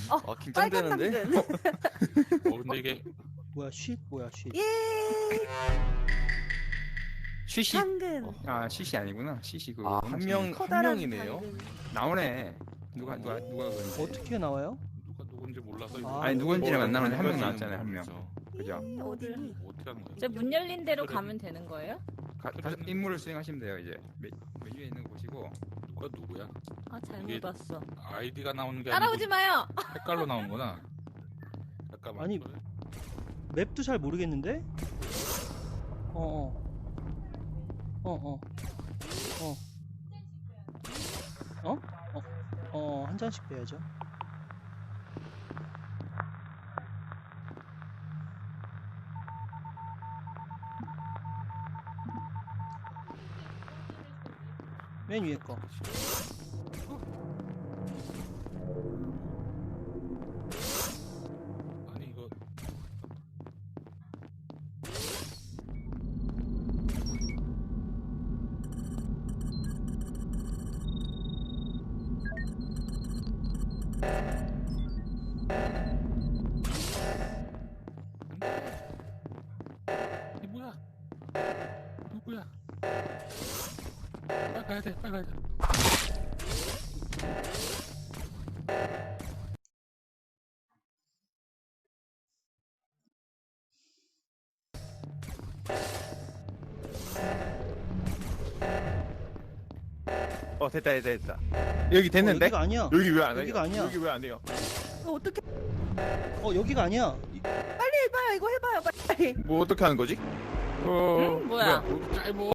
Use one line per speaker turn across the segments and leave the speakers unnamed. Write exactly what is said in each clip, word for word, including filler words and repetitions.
어, 긴장되는데?
당근.
어 근데 이게
뭐야 쉿 뭐야 쉿.
예.
쉬시.
당근.
어.
아 쉬시 아니구나. 쉬시 그거.
아, 한 명, 한
커다란
명이네요.
당근.
나오네. 누가 누가 누가 그런지.
어떻게 나와요?
누가 누군지 몰라서 이거
아,
아니 누군지는 안 나오는데 한 명
누군지는
나왔잖아요 한 명.
모르죠.
그죠?
이, 어디니?
뭐 어떻게 하는 거야?
저 문 열린 대로 가면 되는 거예요?
가, 가, 임무를 수행하시면 돼요 이제. 메, 메뉴에 있는 거 보시고.
누가 누구야?
아 잘못
이게-
봤어.
아이디가 나오는 게
따라오지
아니고
마요.
색깔로 나오는구나. 잠깐만.
아니, 맵도 잘 모르겠는데? 어어 어어 어 어? 어? 어, 한 잔씩 빼야죠. 맨 위에 거.
아니 이거 이 뭐야? 누구야? 빨리 가야 돼, 빨리 가야 돼.
어, 됐다, 됐다, 됐다. 여기 됐는데?
어, 여기가 아니야.
여기 왜 안 해요?
여기가 아니야.
여기 왜 안 해요?
어, 어떻게
어, 여기가 아니야. 이-
빨리 해봐요. 이거 해봐요. 빨리.
뭐 어떻게 하는 거지?
어.
응? 뭐야?
여기 짧어.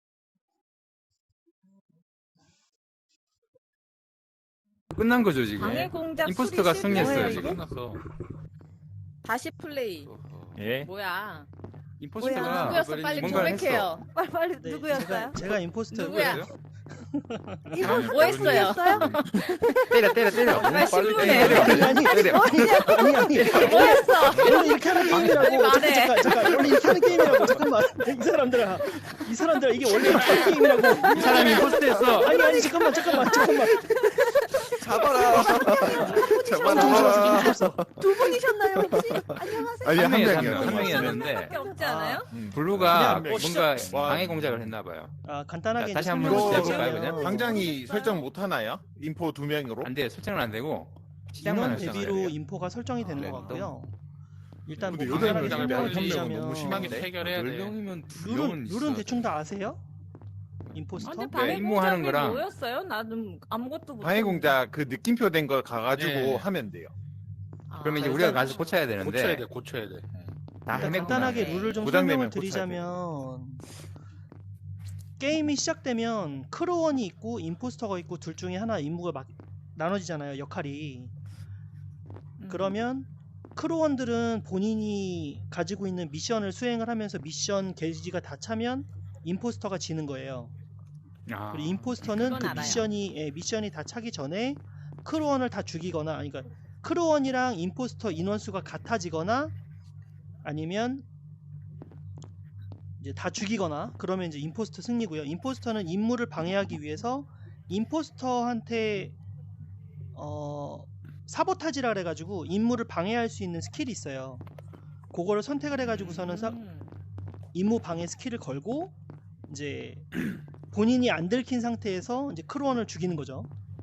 끝난 거죠 지금.
방해 공작
임포스터가
수리
승리했어요,
실패.
지금.
끝났어.
다시 플레이.
어허.
예.
뭐야?
임포스터가
누구였어? 빨리
뭔가를
고백해요.
빨리 빨리
네,
누구였어요?
제가, 제가 임포스터였고요.
누구야?
이거
뭐 했어요?
누구였어요?
때려 때려 때려.
빨리
빨리
신고해.
때려.
아니 아니
때려.
아니 아니
뭐 했어?
원래 이렇게 하는 게임이라고.
빨리 말해.
잠깐 잠깐 원래 이렇게 하는 게임이라고. 잠깐만 이 사람들아 이 사람들아 이게 원래 이렇게 하는 게임이라고.
이 사람이 임포스터였어.
아니 아니 잠깐만 잠깐만 잠깐만.
잡아라. 잡아라.
두 분이셨나요 혹시? 안녕하세요.
아니, 한
명이었어요,
명이요.
한
한
명이었는데.
밖에 없지 않아요?
그냥
블루가
뭐
뭔가
시작-
방해 공작을 했나 봐요.
아 간단하게
자, 다시
이제
한번
설명을
해볼까요,
드리자면
그냥?
당장이 설정 못 하나요? 인포 두 명으로?
안 돼요. 설정은 안 되고 시작만
인원
할 수 있어요.
대비로 인포가 설정이 되는
네,
것 같고요. 일단 뭐
근데
간단하게
요새는
설명을
그냥
드리자면
너무 심하게
심하게 해결해야
열
돼.
명이면 두
룰은
명은
룰은
있어야
대충
돼.
다 아세요?
아,
임포스터?
근데 방해
임무하는
공작이
거랑-
뭐였어요? 나는 아무것도 못.
방해 공작 그 느낌표 된 거 가가지고
네.
하면 돼요.
아,
그러면 이제
아,
우리가
일단
가서 고쳐야 되는데
고쳐야 돼, 고쳐야 돼.
다
일단
헤맸구나.
간단하게
네.
룰을 좀
부담되면
설명을
고쳐야
드리자면 게임이 시작되면 크루원이 있고 임포스터가 있고 둘 중에 하나 임무가 막 나눠지잖아요, 역할이.
음.
그러면 크루원들은 본인이 가지고 있는 미션을 수행을 하면서 미션 게이지가 다 차면 임포스터가 지는 거예요.
아,
그리고 임포스터는
그건
그
알아요.
미션이 예, 미션이 다 차기 전에 크루원을 다 죽이거나, 아니, 그러니까 크루원이랑 임포스터 인원수가 같아지거나 아니면 이제 다 죽이거나 그러면 이제 임포스터 승리고요. 임포스터는 임무를 방해하기 위해서 임포스터한테 어 사보타지라 그래가지고 임무를 방해할 수 있는 스킬이 있어요. 그거를 선택을 해가지고서는 사-
음.
임무 방해 스킬을 걸고 이제 본인이 안 들킨 상태에서 이제 크루원을 죽이는 거죠.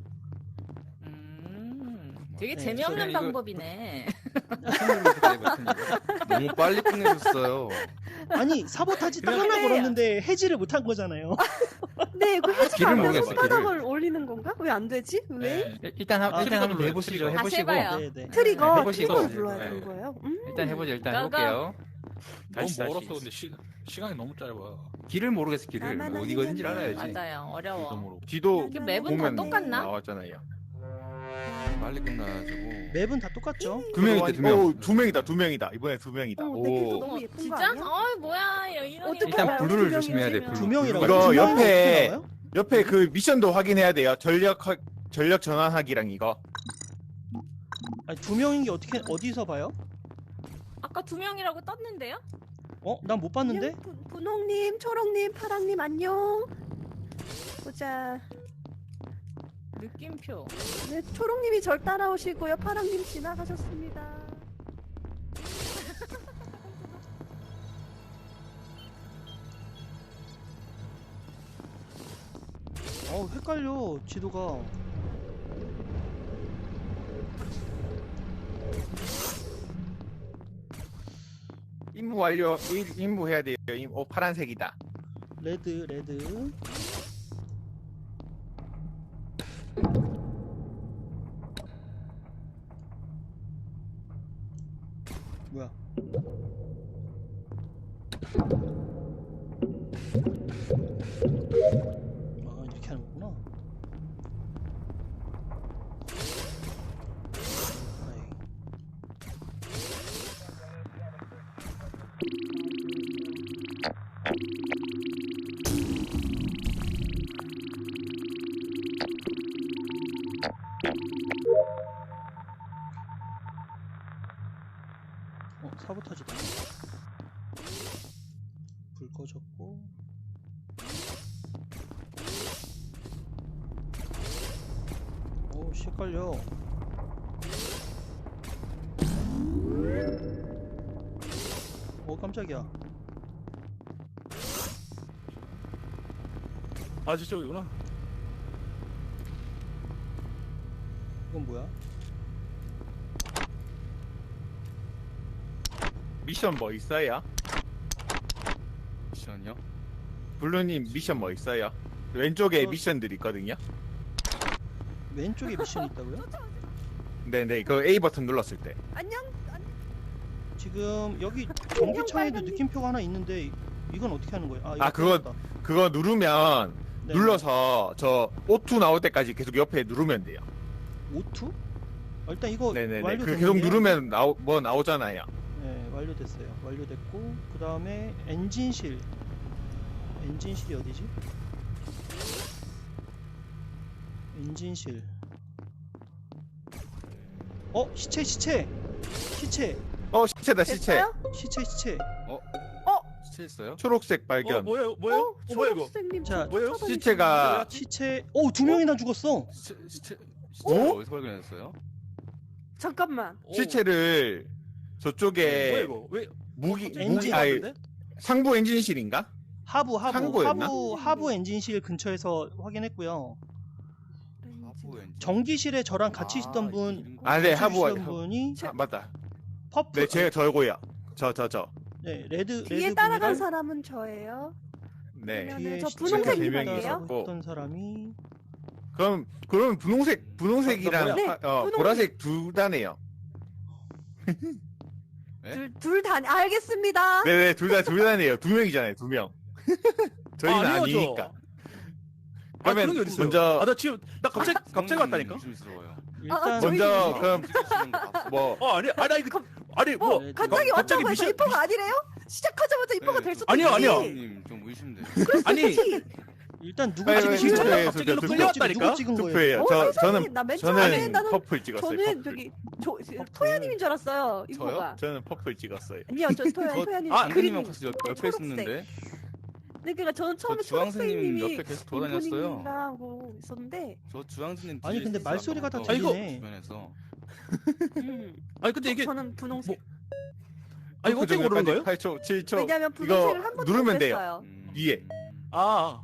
음. 되게
네,
재미없는
이거-
방법이네.
손으로 이렇게 해봤으니까.
너무 빨리 끝내줬어요.
아니 사보타지 딱
그냥
하나
해요.
걸었는데 해지를 못한 거잖아요.
네, 그 해지
길을
않아서
모르겠어,
손바닥을 올리는 건가? 왜 안 되지? 왜?
네.
일단 한-
아,
일단 한번
트리거
해보시죠.
눌러요,
다시
해보시고
해봐요.
네, 네.
트리거,
해보시고.
트리거를
네.
눌러야
네.
되는 거예요? 음.
일단 해보죠. 일단
가가.
해볼게요.
너무
다시,
멀었어.
다시.
근데 시, 시간이 너무 짧아.
길을 모르겠어. 길을
나만
어디거든지
아니면
알아야지.
맞아요. 어려워.
이동으로.
뒤도
이게 맵은 다
보면
똑같나?
나왔잖아요.
빨리 끝나가지고.
맵은 다 똑같죠.
두 명이다, 두 명.
명.
오, 두 명이다, 두 명이다. 이번에 두 명이다.
어, 되게 또
오.
너무
어,
예쁜 거
진짜?
아니야?
어이 뭐야 이런
어떻게
일단
알아요?
블루를
두
조심해야 돼.
명이면.
블루.
두 명이라고.
이거
두 명?
옆에-
어떻게 나와요?
옆에 그 미션도 확인해야 돼요. 전력 확- 전력 전환하기랑 이거.
아니, 두 명인 게 어떻게 어디서 봐요?
아까 두 명이라고 떴는데요?
어? 난 못 봤는데?
안녕, 분- 분홍님, 초록님, 파랑님 안녕. 보자.
느낌표.
네, 초록님이 절 따라오시고요. 파랑님 지나가셨습니다.
어 헷갈려 지도가.
임무 완료. 일- 임무 해야 돼요. 임- 어 파란색이다.
레드 레드. 뭐야? 아 이렇게 하는 거구나. 아이. 어, 사보타지다. 불 꺼졌고. 오, 씨, 헷갈려. 오, 깜짝이야.
아 저쪽이구나.
이건 뭐야?
미션 뭐 있어요?
미션이요?
블루님 미션 뭐 있어요? 왼쪽에
저-
미션들 있거든요.
왼쪽에 미션이 있다고요?
네네. 그 A 버튼 눌렀을 때.
안녕. 안녕.
지금 여기 전기창에도
빨간님.
느낌표가 하나 있는데 이건 어떻게 하는 거예요? 아, 이거
아, 그거-
뜯었다.
그거 누르면
네.
눌러서 저 오투 나올 때까지 계속 옆에 누르면 돼요.
오투? 아, 일단 이거
네네네.
완료됐네요.
그 계속 누르면 나오 뭐 나오잖아요.
네, 완료됐어요. 완료됐고 그 다음에 엔진실. 엔진실이 어디지? 엔진실. 어, 시체, 시체, 시체,
어 시체다 시체.
됐어요?
시체, 시체.
시체했어요?
초록색 발견.
어 뭐예요? 뭐예요?
어,
어, 뭐야 이거?
초록색님
자,
저
뭐예요?
쫓아다니시는데.
시체가
시체. 오, 두 명이나 죽었어.
시체 시체 시체
어?
어디서 발견했어요?
잠깐만.
오,
시체를 저쪽에
뭐야 이거? 왜
무기
갑자기
무기
엔진
아니
나왔는데?
상부 엔진실인가?
하부, 하부,
상고였나?
하부, 하부 엔진실 근처에서 확인했고요.
하부 엔진.
전기실에 저랑 같이
아,
있던 분,
이름
아, 네,
같이
하부-
있던 분이
아, 맞다.
퍼플.
네, 제가 저고요. 저 저 저.
네, 레드,
뒤에
레드
따라간
분이랑
사람은 저예요.
네.
그러면은
뒤에
저
시체가
분홍색
세
입을게요.
명이
따라가고
있었고.
있던 사람이
그럼 그러면 분홍색 분홍색이랑
네,
파- 어,
분홍색.
보라색 둘 다네요.
둘 둘 다 알겠습니다.
네네 둘 다 둘 다네요. 두 명이잖아요. 두 명. 저희는
아,
아,
아니죠.
니니까
아
그러면
그런 게 어딨어요?
먼저-
아나 지금 나 갑자기 갑자기 왔다니까?
의심스러워요.
일단
저희-
먼저 그럼
시키시는 거 봤어요.
뭐
어 아니 아니 아니 그 아니 뭐
뭐
네,
갑자기
가- 갑자기
왔다고 해서
미션-
입포가 아니래요? 시작하자마자 입포가
네,
될
저-
수도
아니요,
있지.
아니요.
님 좀 의심돼요.
아니
일단 누구
아니,
찍은
아니,
거예요?
투표해요,
갑자기
투표,
일로
투표.
끌려왔다니까?
누구 찍은 거예요?
투표예요.
어,
저
세상에.
저는
나 맨 처음에
저는
나는
퍼플 찍었어요.
저는
퍼플.
저기 조, 토야님인 줄 알았어요. 입포가.
저는 퍼플 찍었어요.
아니요, 저 토야
저-
토야님
아,
그림.
선생님하고 같이 옆, 옆에
초록색.
있었는데
네, 그러니까 저는 처음에
저 주황생님
초록색님이
옆에 계속 돌아다녔어요.
인포님이라고 있었는데.
저 주황선님
아니,
뒤에
근데
있었어요.
말소리가 다
아까
들리네.
주변에서
음,
아니 근데 이게
저는 분홍색.
아 이거 어떻게 모르는 거예요?
팔 초, 칠 초.
왜냐면
이거
분홍색을 한 번도
누르면
못
돼요.
했어요.
음,
위에.
아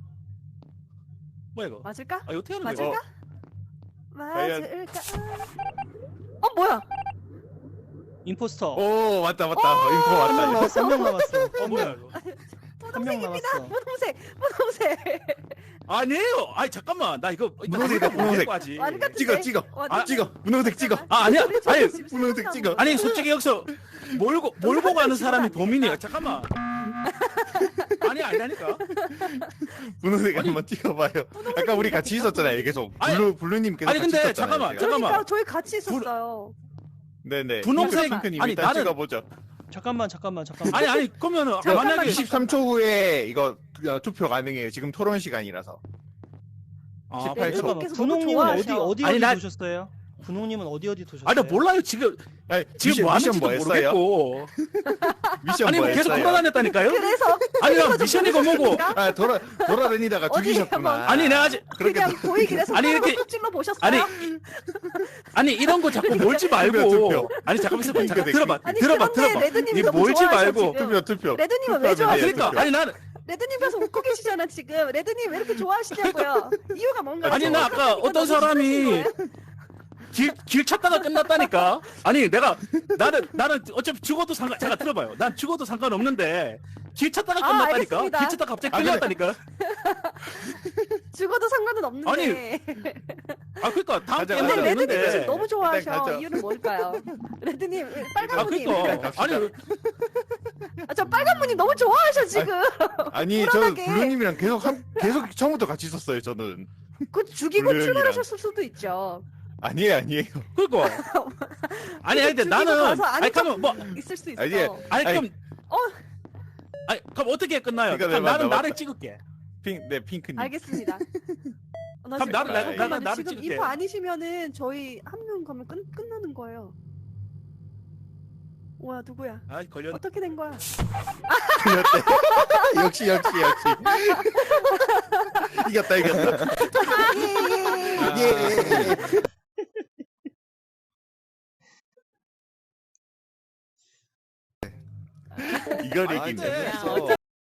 뭐야 이거?
맞을까?
아 이거 어떻게 하는 거야?
맞을까?
과연-
맞을까? 어 뭐야?
임포스터.
오 맞다 맞다. 인포
한 명
맞다.
남았어. 한 명 남았어.
어 뭐야 이거?
한 명 남았어.
분홍색, 분홍색.
아니에요. 아니 잠깐만 나 이거 이따
분홍색이다,
한번
분홍색.
데리고 하지.
말이 같은데?
찍어 찍어.
아,
찍어. 분홍색 찍어.
아 아니야. 아니
분홍색 찍어.
아니 솔직히 여기서 몰고 몰고 가는 사람이 범인이야. 잠깐만. 아니 아니라니까.
분홍색 한번 찍어봐요. 아까 우리 같이 있었잖아요. 계속.
아니,
블루 블루님 계속
아니,
같이
근데
있었잖아요.
잠깐만,
제가.
잠깐만.
그러니까 저희 같이 있었어요.
네네.
분홍색-
핑크님
아니,
일단
나는-
찍어보죠.
잠깐만, 잠깐만, 잠깐만.
아니 아니 그러면은
잠깐만,
만약에
이십삼 초 후에 이거 어, 투표 가능해요. 지금 토론 시간이라서.
아,
십팔 초.
분-
잠깐만.
계속
분홍님은
너무
어디
좋아하셔.
어디
아니,
어디
나-
보셨어요? 군웅님은 어디 어디 도셨어요?
아니 나 몰라요 지금
아니,
지금
미션,
뭐
미션
하는지도
뭐 했어요?
모르겠고.
미션
아니
뭐
뭐 계속
했어요?
돌아다녔다니까요?
그래서
아니 나 미션이고 뭐고.
아 돌아 돌아다니다가
어디
죽이셨구나.
한번-
아니 내가 아직
그냥 보이길래
아니,
손가락으로
이렇게-
쏙 찔러 보셨어요?
아니 아니 이런 거 자꾸 몰지 말고.
투표.
아니 잠깐만 있어봐. 잠깐
투표.
들어봐.
아니,
들어봐
그런데
들어봐.
레드님이
이
너무
몰지
좋아하셔,
말고.
지금.
투표 투표.
레드님은 왜
투표하면
아
좋아하세요?
돼요,
그러니까
투표.
아니 나는
레드님께서 웃고 계시잖아 지금. 레드님 왜 이렇게 좋아하시냐고요. 이유가 뭔가요?
아니 나 아까 어떤 사람이 길, 길 찾다가 끝났다니까. 아니 내가 나는 나는 어차피 죽어도 상관 제가 들어봐요. 난 죽어도 상관없는데 길 찾다가
아,
끝났다니까.
알겠습니다.
길 찾다가 갑자기
아, 근데-
끝났다니까.
죽어도 상관은 없는데.
아 그러니까 다음
가자,
게임
근데
가자.
하면
레드님이 지금
되는데.
너무
일단
좋아하셔.
가자.
이유는 뭘까요? 레드님 빨간
아
무늬.
그러니까 아니
아, 저 빨간 무늬 너무 좋아하셔 지금.
아니 저는
불안하게.
블루님이랑 계속 한 계속 처음부터 같이 있었어요. 저는
그 죽이고
블루 형이랑.
출발하셨을 수도 있죠.
아니에요 아니에요.
그러니까 아니 아니 근데
죽이고
나는
가서 안
아니 그러면 뭐
있을 수 있어.
아니,
아니
아니,
그럼
어.
아니 그럼 어떻게 끝나요?
그러니까
그럼
내가
나는
맞다,
나를
맞다.
찍을게.
핑, 네 핑크님.
알겠습니다. 어, 나
그럼
지금-
나를
나-
잠깐만요.
나는 나를
지금
찍을게.
인포 아니시면은 저희 한 명 가면 끝 끝나는 거예요. 뭐야 누구야?
아 걸렸.
어떻게 된 거야?
틀렸대. 역시 역시 역시. 이겼다 이겼다.
예, 예, 예.
예. 이걸
아,
이기네.
재밌어.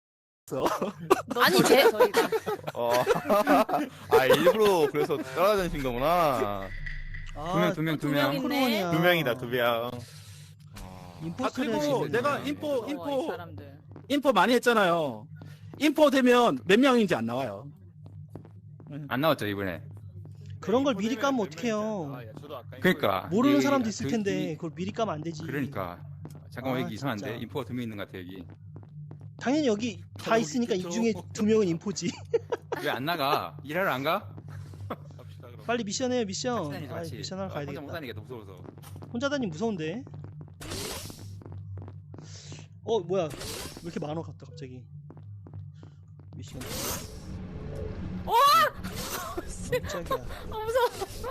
아니 제
저희가
어. 아 일부러 그래서 따라다니신 거구나.
아,
두 명 두 명 두 명.
있네.
크루원이야.
두 명이다 두 명.
아
임포스터를
그리고
하시는
내가
거예요.
인포
무서워, 이
인포
사람들.
인포 많이 했잖아요. 인포 되면 몇 명인지 안 나와요.
안 나왔죠 이번에.
그런 걸 미리 까면 어떡해요.
그러니까
모르는
여기
사람도 있을
그-
텐데
이-
그걸 미리 까면 안 되지.
그러니까 잠깐만
아,
여기 이상한데
진짜.
인포가 두 명 있는 것 같아 여기.
당연히 여기 다
여기
있으니까 이
있겠죠.
중에 두 명은 인포지.
왜 안 나가? 일하러 안 가?
빨리 미션해요 미션.
같이 다니죠,
아,
같이.
미션 하러
아,
가야
혼자 못
되겠다.
다니겠다 무서워서.
혼자 다니면 무서운데. 어 뭐야? 왜 이렇게 많어 갔다 갑자기. 미션.
와!
깜짝이야.
아 무서워.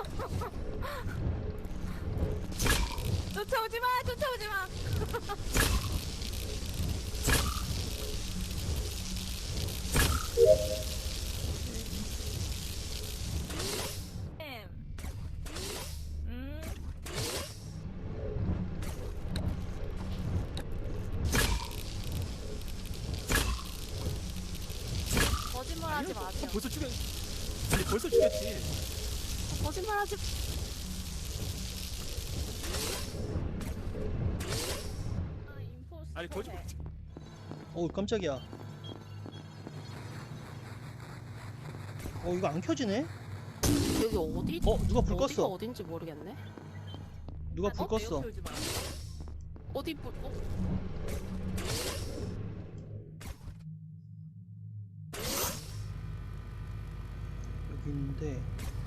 쫓아오지 마, 쫓아오지 마. 음. 거짓말하지 마세요.
벌써 죽였. 아니 벌써 죽였지.
거짓말하지. 아, 임포스터.
아니 거짓말.
어 깜짝이야. 어 이거 안 켜지네?
여기 어디?
어 누가 불
어디가
껐어?
어딘지 모르겠네.
누가 불
어?
껐어?
옆에 오지 마.
어디 불? 어?
여기 있는데.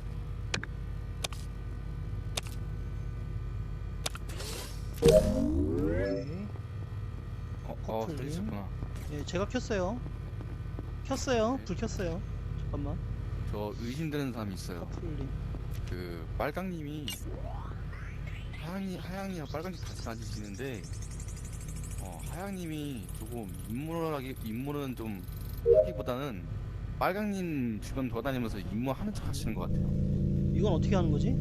오케이.
어, 어
커플님.
들리셨구나.
예, 제가 켰어요. 켰어요. 불 켰어요. 잠깐만.
저 의심되는 사람이 있어요.
커플님.
그 빨강님이 하양이 하양이랑 빨강님 같이 다니시는데 어 하양님이 조금 임무하기 임무는 좀 하기보다는 빨강님 주변 돌아다니면서 임무하는 척 하시는 것 같아요.
이건 어떻게 하는 거지?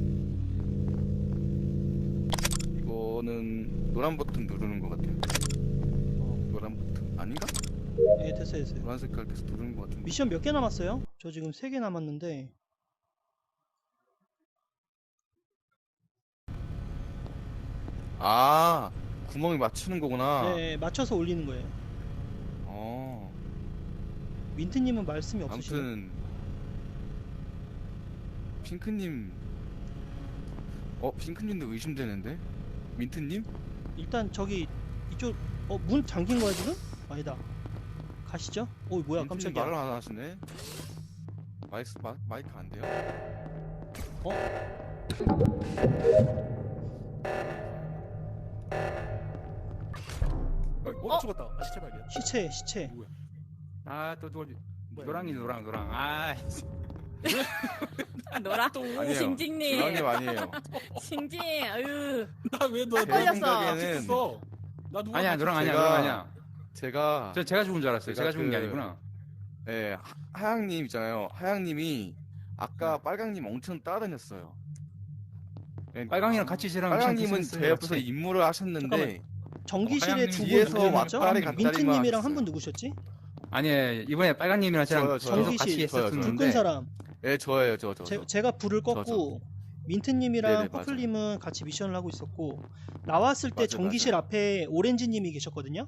이거는 노란 버튼 누르는 것 같아요.
어,
노란 버튼 아닌가?
예, 됐어요, 됐어요.
노란 색깔 돼서 누르는 것 같은데.
미션 몇 개 남았어요? 저 지금 세 개 남았는데.
아 구멍이 맞추는 거구나.
네, 맞춰서 올리는 거예요.
어
민트님은 말씀이 없으시네.
아무튼 핑크님 어 핑크님도 의심되는데 민트님?
일단 저기 이쪽 어 문 잠긴 거야 지금? 아니다. 가시죠. 어 뭐야
민트님
깜짝이야.
말을 안 하시네. 마이크 마, 마이크 안 돼요?
어, 죽었다. 아 시체 발견.
시체 시체.
아또 누가
뭐야?
노랑이 노랑 노랑 아
노라.
아니에요.
징징님.
노랑님 아니에요.
징징. 아유.
나왜너
제
걸렸어.
생각에는
나 누가
아니야, 너랑 아니야,
제가-
너랑 아니야.
제가
저 제가 죽은 줄 알았어요.
제가
제가 죽은 게
그-
아니구나.
예, 하- 하양님 있잖아요. 하양님이 아까 빨강님 엄청 따라다녔어요. 예,
빨강이랑 같이 저랑
빨강님은
참
제 옆에서
같이.
임무를 하셨는데
전기실에
하양님
두 분
뒤에서
누구였죠?
왔다리 갔다리만
민트님이랑 한 분
했어요.
누구셨지?
아니 이번에 빨강님이랑 저랑
저요, 저요.
계속 같이
전기실
저요, 저요.
불 끈
했었는데
사람.
예, 저예요, 저, 저.
제,
저.
제가 불을
저,
껐고 민트님이랑
네네,
퍼플님은 같이 미션을 하고 있었고 나왔을 때
맞아요,
전기실
맞아요.
앞에 오렌지님이 계셨거든요.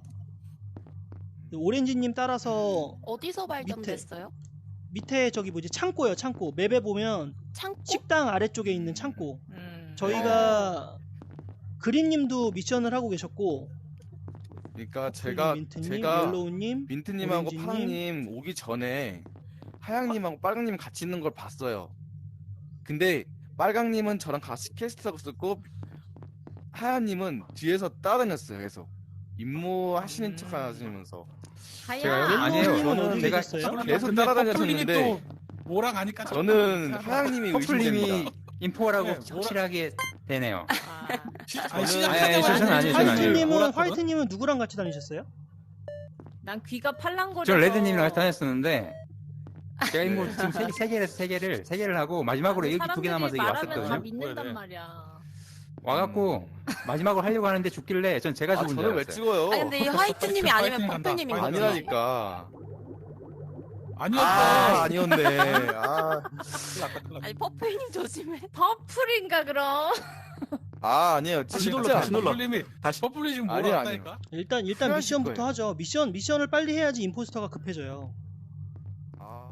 오렌지님 따라서
어디서 발견됐어요?
밑에 저기 뭐지 창고요 창고 맵에 보면
창고?
식당 아래쪽에 있는 창고
음.
저희가 그린님도 미션을 하고 계셨고
그러니까 제가
민트님,
제가
옐로우님
민트님하고
오렌지님.
파랑님 오기 전에 하양님하고 빨강님 같이 있는 걸 봤어요. 근데 빨강님은 저랑 같이 캐스트하고 있었고 하양님은 뒤에서 따라다녔어요. 계속 임무 하시는
음.
척 하시면서
제가요?
하야.
아니에요.
옐로우님은
저는
어디
제가
계셨어요?
계속 따라다녔었는데
뭐랑 하니까
저는 하양님이
퍼플님이
의심됩니다.
인포라고
네, 뭐라-
확실하게 되네요.
아.
아니,
저는-
시작
아니, 아니,
때문에
저는 아니에요, 저는 아니에요.
화이트님은
몰았거든?
화이트님은 누구랑 같이 다니셨어요?
난 귀가 팔랑거려.
저 레드님이랑 같이 다녔었는데 제가 인물
네.
지금 세, 세 개를 세 개를 세 개를 하고 마지막으로 여기 두 개 남아서 여기
다
왔었거든요.
믿는단
네네.
말이야.
와갖고 마지막으로 하려고 하는데 죽길래 전 제가
아,
죽은 줄
저는 왜
알았어요.
찍어요?
아니 근데 이 화이트님이 아니면
화이팅 간다.
퍼플님인
화이팅
거죠?
아니라니까.
아니었어.
아, 아니었네. 아,
아니 퍼플님 조심해.
퍼플인가 그럼?
아 아니에요.
다시 눌러,
진짜.
다시 눌러. 퍼플님이
다시.
퍼플이 지금
아니요,
몰아왔다니까.
일단 일단
필요하실
미션부터
거예요.
하죠. 미션 미션을 빨리 해야지 임포스터가 급해져요.
아,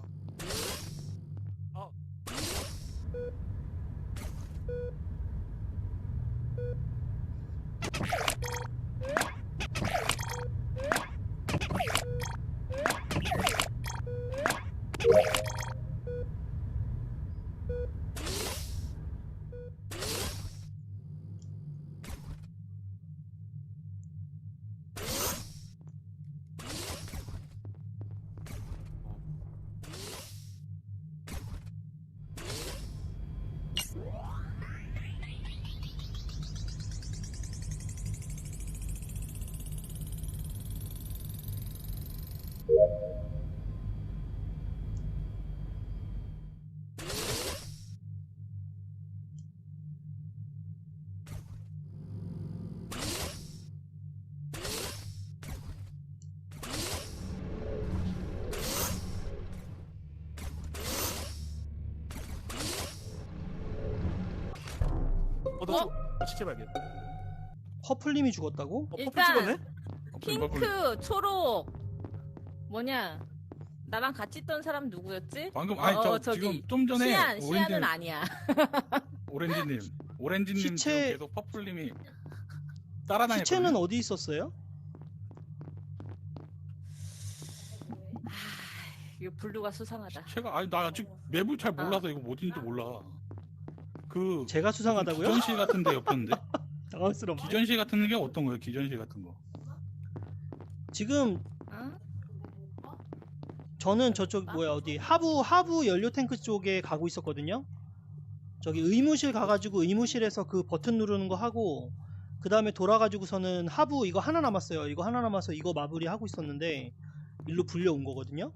어, 너 어? 시체 발견.
퍼플님이 죽었다고?
어, 퍼플
일단
찍었네?
핑크, 초록, 뭐냐? 나랑 같이 있던 사람 누구였지?
방금 아니
어,
저
저기
지금 좀 전에
시안,
오렌지
시안은 아니야.
오렌지님 오렌지님
시체-
지금 계속 퍼플님이 따라다녔거든요.
시체는 어디 있었어요?
이거 블루가 수상하다.
제가 아니 나 아직 맵을 잘 몰라서 이거 어딘지 몰라. 그
제가 수상하다고요?
기전실 같은데 옆였는데
당황스럽네.
기전실 같은 게 어떤 거예요? 기전실 같은 거.
지금
어?
저는 저쪽 뭐야 어디 하부 하부 연료 탱크 쪽에 가고 있었거든요. 저기 의무실 가가지고 의무실에서 그 버튼 누르는 거 하고 그 다음에 돌아가지고서는 하부 이거 하나 남았어요. 이거 하나 남아서 이거 마무리 하고 있었는데 일로 불려온 거거든요.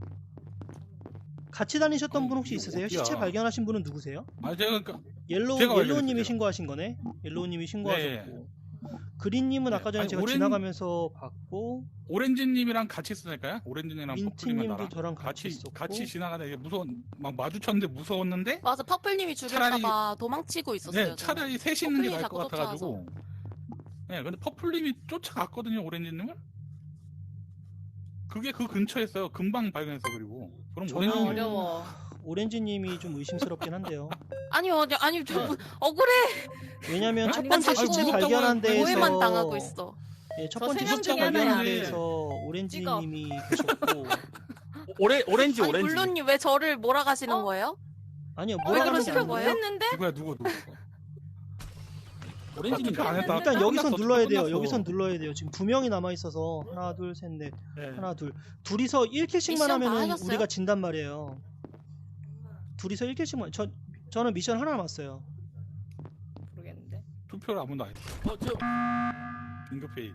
같이 다니셨던
아니,
분 혹시
이거
있으세요?
어디야?
시체 발견하신 분은 누구세요?
아 제가 그러니까
옐로우
제가
옐로우님이
발견했어요, 제가.
신고하신 거네. 옐로우님이 신고하셨고 그린님은
네.
아까 전에
아니,
제가
오렌-
지나가면서 봤고
오렌지님이랑 같이 있었을까요? 오렌지님이랑 퍼플님이랑
민트님도
나랑
저랑 같이
같이
있었고
같이 지나가다 이게 무서운 막 마주쳤는데 무서웠는데
맞아 퍼플님이 죽일까봐 도망치고 있었어요.
네
저는.
차라리 셋이 있는 게
퍼플이
나을
자꾸
것 같아가지고 네 근데 퍼플님이 쫓아갔거든요 오렌지님을. 그게 그 근처였어요. 금방 발견했어. 그리고 그럼
저는-
오렌지님
어려워.
오렌지님이 좀 의심스럽긴 한데요.
아니요 아니, 아니 저 억울해.
왜냐면 첫
아니,
번째
자꾸
시체
무섭다고
발견한
하면
오해만
데에서
당하고 있어.
예, 첫
저
번째
세명
시체
중에
발견한
하나야.
데에서 오렌지님이 계셨고
오레, 오렌지
아니
오렌지.
물론님 왜 저를 몰아가시는
어?
거예요?
아니요
왜
뭐라 그러는 게
그러시는
아니고
거예요?
했는데?
누구야 누구 누구
오렌지님
투표 안 했다.
일단 여기선
끝났어,
눌러야
투표
돼요.
끝났어.
여기선 눌러야 돼요. 지금 두 명이 남아 있어서 하나 둘 셋 넷
네.
하나 둘 둘이서 일 킬씩만
미션 다
하면은
하셨어요?
우리가 진단 말이에요. 둘이서 일 킬씩만 저 저는 미션 하나 남았어요.
모르겠는데.
투표를 아무도 안 했어.
어, 저,
긴급회의.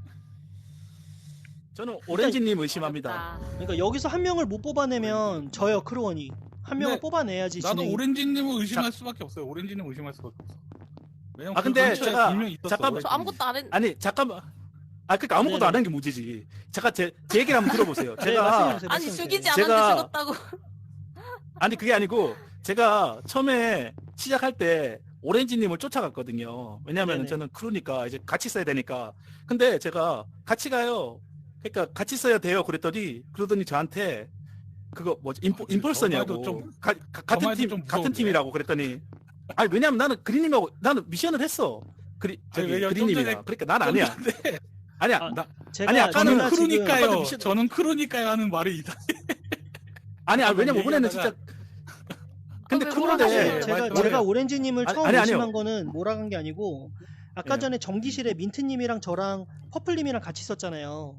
저는 오렌지님 의심합니다.
어렵다.
그러니까 여기서 한 명을 못 뽑아내면 저요 크루원이 한 명을
네,
뽑아내야지
나도
진행이.
오렌지님을 의심할 수밖에 없어요. 오렌지님 의심할 수밖에 없어. 왜냐면
아,
그
근데
근처에
제가-
분명히 있었어,
잠깐만,
저
오렌지님.
아무것도 안 했.
아니 잠깐만. 아 그러니까 아무것도
네네.
안 한 게 문제지. 잠깐 제, 제 얘기를 한번 들어보세요.
네,
제가
말씀해주세요,
아니
말씀해주세요.
죽이지
제가-
않았는데 죽었다고.
아니 그게 아니고 제가 처음에 시작할 때 오렌지님을 쫓아갔거든요. 왜냐하면
네네.
저는 크루니까 이제 같이 써야 되니까. 근데 제가 같이 가요. 그러니까 같이 써야 돼요. 그랬더니 그러더니 저한테 그거 뭐지 인포,
아, 저
인폴서냐고
말도 좀-
가, 가, 같은
말도
팀
좀
같은
무서운데.
팀이라고 그랬더니 아니 왜냐면 나는 그린님하고 나는 미션을 했어. 그리 저기
왜냐면 좀
그린님이랑
전에-
그러니까 난
좀
아니야.
전에
아니야.
아,
나
제가
아니, 아까는
제가 지금-
크루니까요.
아빠도 미션-
저는 크루니까요 하는 말이 이상.
아니 아 왜냐면 이번에는
얘기하다가-
진짜 근데
왜
크루인데
몰아가시는
제가
말씀하세요.
제가 오렌지님을
아니,
처음
아니, 아니요.
의심한 거는 몰아간 게 아니고 아까
예.
전에 전기실에 민트님이랑 저랑 퍼플님이랑 같이 있었잖아요.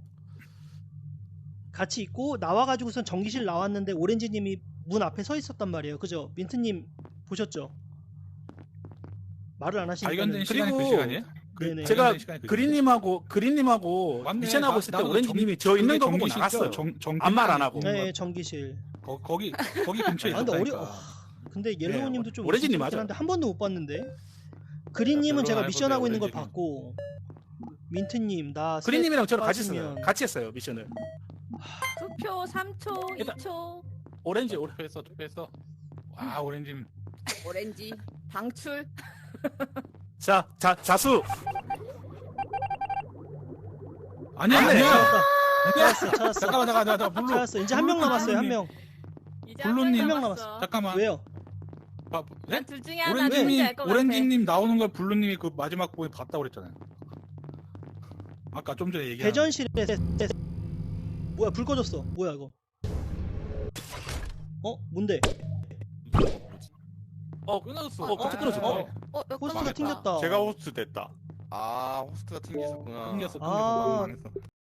같이 있고 나와가지고선 전기실 나왔는데 오렌지님이 문 앞에 서 있었단 말이에요. 그죠? 민트님 보셨죠? 말을 안 하시니까.
발견된 시간이 그
그리고
시간이에요? 그
네네.
제가
발견된 시간이 그
그린님하고 그린님하고
맞네.
미션하고
나-
있을 때
나도
오렌지님이
정-
저 있는 거
그게
보고
정기실이죠?
나갔어요.
정- 정기실
아무 말안
아니고.
하고.
네, 전기실.
거, 거기 거기 근처에
아, 근데 어려.
있었다니까.
아, 근데 옐로우님도 좀
오렌지님
의심스럽긴
맞아요.
한데 한 번도 못 봤는데. 그린님은
별로
제가
안
미션 하고 있는 걸
해보세요,
봤고 민트님 나
그린님이랑 저랑 같이
빠지면-
했어요. 같이 했어요 미션을.
투표 삼 초,
일단-
이 초.
오렌지 오렌.
투표했어 투표했어. 와 오렌지.
오렌지 방출.
자, 자 자수.
아니야
안 돼.
아니야.
찾았어, 찾았어.
잠깐만 잠깐만 잠깐만 블루.
찾았어. 이제 한 명 남았어요. 한 명.
이제
블루님.
한
명
명
남았어.
남았어.
잠깐만.
왜요?
봐, 네?
난둘 중에 하나 누군지
오렌지님
알 것 같아.
오렌지님 나오는 걸 블루님이 그 마지막 부분에 봤다고 그랬잖아요. 아까 좀 전에 얘기한.
대전실에 뭐야 불 꺼졌어. 뭐야 이거? 어 뭔데?
어,
끊었어.
어, 깜짝 놀랐어.
어,
어, 어,
호스트가
끝났다.
튕겼다.
제가 호스트 됐다.
아 호스트가 튕겼었구나.
튕겼어 튕겼어.
아.
망했어.